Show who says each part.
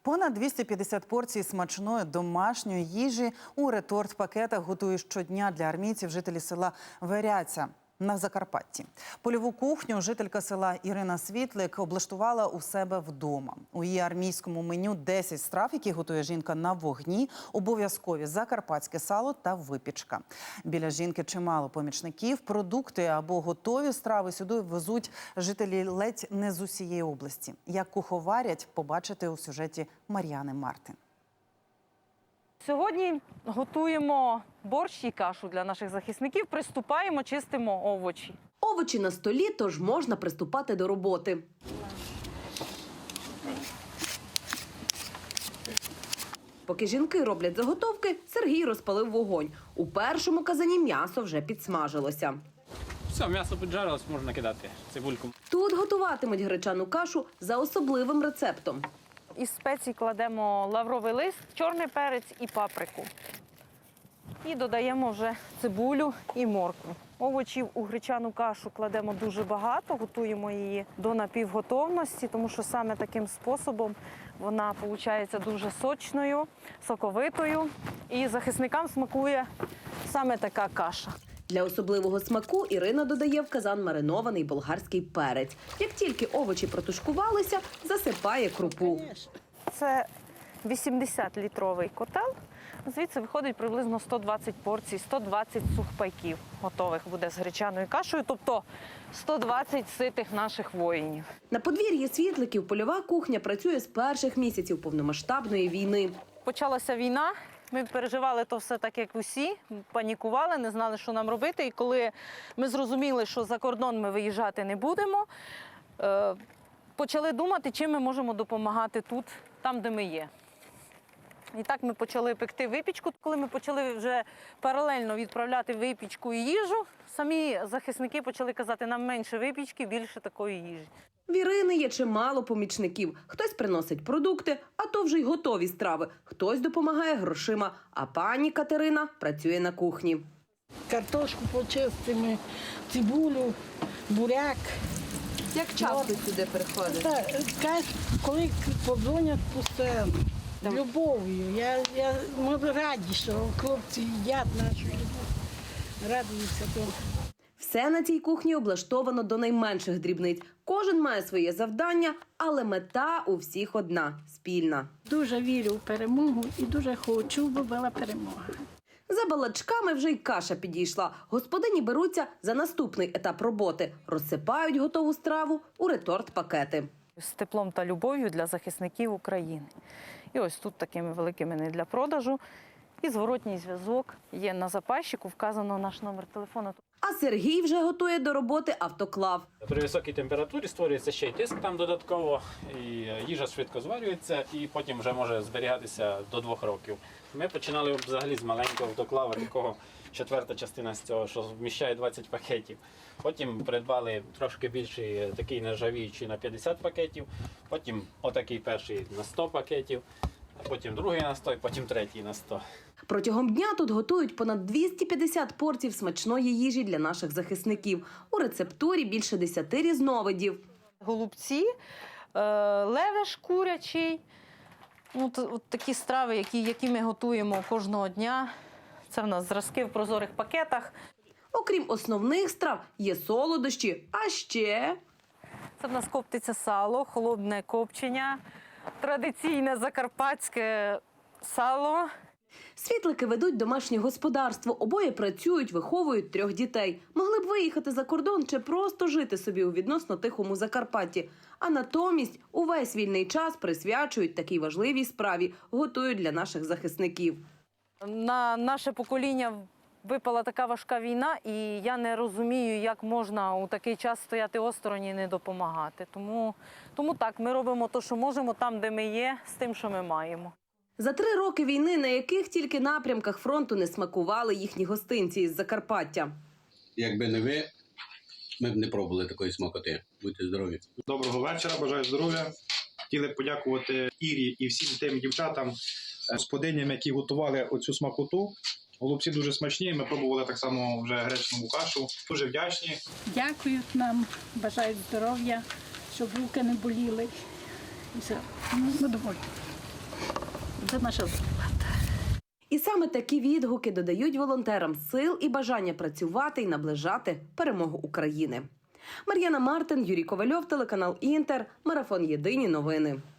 Speaker 1: Понад 250 порцій смачної домашньої їжі у реторт-пакетах готують щодня для армійців жителі села Веряця на Закарпатті. Польову кухню жителька села Ірина Світлик облаштувала у себе вдома. У її армійському меню 10 страв, які готує жінка на вогні, обов'язкові закарпатське сало та випічка. Біля жінки чимало помічників, продукти або готові страви сюди везуть жителі ледь не з усієї області. Як куховарять, побачите у сюжеті Мар'яни Мартин.
Speaker 2: Сьогодні готуємо борщ і кашу для наших захисників, приступаємо, чистимо овочі.
Speaker 3: Овочі на столі, тож можна приступати до роботи. Поки жінки роблять заготовки, Сергій розпалив вогонь. У першому казані м'ясо вже підсмажилося.
Speaker 4: Все, м'ясо піджарилось, можна кидати цибульку.
Speaker 3: Тут готуватимуть гречану кашу за особливим рецептом.
Speaker 2: Із спецій кладемо лавровий лист, чорний перець і паприку. І додаємо вже цибулю і моркву. Овочів у гречану кашу кладемо дуже багато, готуємо її до напівготовності, тому що саме таким способом вона виходить дуже сочною, соковитою. І захисникам смакує саме така каша.
Speaker 3: Для особливого смаку Ірина додає в казан маринований болгарський перець. Як тільки овочі протушкувалися, засипає крупу.
Speaker 2: Це 80-літровий котел. Звідси виходить приблизно 120 порцій, 120 сухпайків готових буде з гречаною кашею, тобто 120 ситих наших воїнів.
Speaker 3: На подвір'ї Світликів польова кухня працює з перших місяців повномасштабної війни.
Speaker 2: Почалася війна, ми переживали то все так, як усі, панікували, не знали, що нам робити. І коли ми зрозуміли, що за кордон ми виїжджати не будемо, почали думати, чим ми можемо допомагати тут, там, де ми є. І так ми почали пекти випічку. Коли ми почали вже паралельно відправляти випічку і їжу, самі захисники почали казати, нам менше випічки, більше такої їжі.
Speaker 3: В Ірини є чимало помічників. Хтось приносить продукти, а то вже й готові страви. Хтось допомагає грошима, а пані Катерина працює на кухні.
Speaker 5: Картошку почистимо, цибулю, буряк.
Speaker 3: Як часто сюди приходите?
Speaker 5: Так, коли подзвонять постійно. Любов'ю. Ми раді, що хлопці їдять нашу любов. Радуються тому.
Speaker 3: Все на цій кухні облаштовано до найменших дрібниць. Кожен має своє завдання, але мета у всіх одна – спільна.
Speaker 5: Дуже вірю в перемогу і дуже хочу, бо була перемога.
Speaker 3: За балачками вже й каша підійшла. Господині беруться за наступний етап роботи. Розсипають готову страву у реторт-пакети.
Speaker 2: З теплом та любов'ю для захисників України. І ось тут такими великими не для продажу. І зворотній зв'язок є на запайщику, вказано наш номер телефону.
Speaker 3: А Сергій вже готує до роботи автоклав.
Speaker 4: При високій температурі створюється ще й тиск там додатково, і їжа швидко зварюється, і потім вже може зберігатися до 2 років. Ми починали взагалі з маленького автоклава, такого 4-та частина з цього, що вміщає 20 пакетів. Потім придбали трошки більший, такий нержавіючий на 50 пакетів, потім отакий перший на 100 пакетів, а потім другий на 100, і потім третій на 100.
Speaker 3: Протягом дня тут готують понад 250 порцій смачної їжі для наших захисників. У рецептурі більше 10 різновидів.
Speaker 2: Голубці, левеш курячий. От такі страви, які ми готуємо кожного дня. Це в нас зразки в прозорих пакетах.
Speaker 3: Окрім основних страв, є солодощі, а ще...
Speaker 2: Це в нас коптиться сало, холодне копчення, традиційне закарпатське сало.
Speaker 3: Світлики ведуть домашнє господарство, обоє працюють, виховують 3 дітей. Могли б виїхати за кордон чи просто жити собі у відносно тихому Закарпатті. А натомість увесь вільний час присвячують такій важливій справі, готують для наших захисників.
Speaker 2: На наше покоління випала така важка війна, і я не розумію, як можна у такий час стояти осторонь і не допомагати. Тому так, ми робимо те, що можемо, там, де ми є, з тим, що ми маємо.
Speaker 3: За 3 роки війни, на яких тільки напрямках фронту не смакували їхні гостинці із Закарпаття.
Speaker 6: Якби не ви, ми б не пробували такої смакоти. Будьте здорові.
Speaker 7: Доброго вечора, бажаю здоров'я. Хотіли б подякувати Ірі і всім тим дівчатам, господиням, які готували оцю смакоту. Голубці дуже смачні, ми пробували так само вже гречневу кашу. Дуже вдячні.
Speaker 5: Дякують нам, бажають здоров'я, щоб руки не боліли. І все. Ми доволі. Це наша зарплата.
Speaker 3: І саме такі відгуки додають волонтерам сил і бажання працювати і наближати перемогу України. Мар'яна Мартин, Юрій Ковальов, телеканал Інтер, Марафон Єдині новини.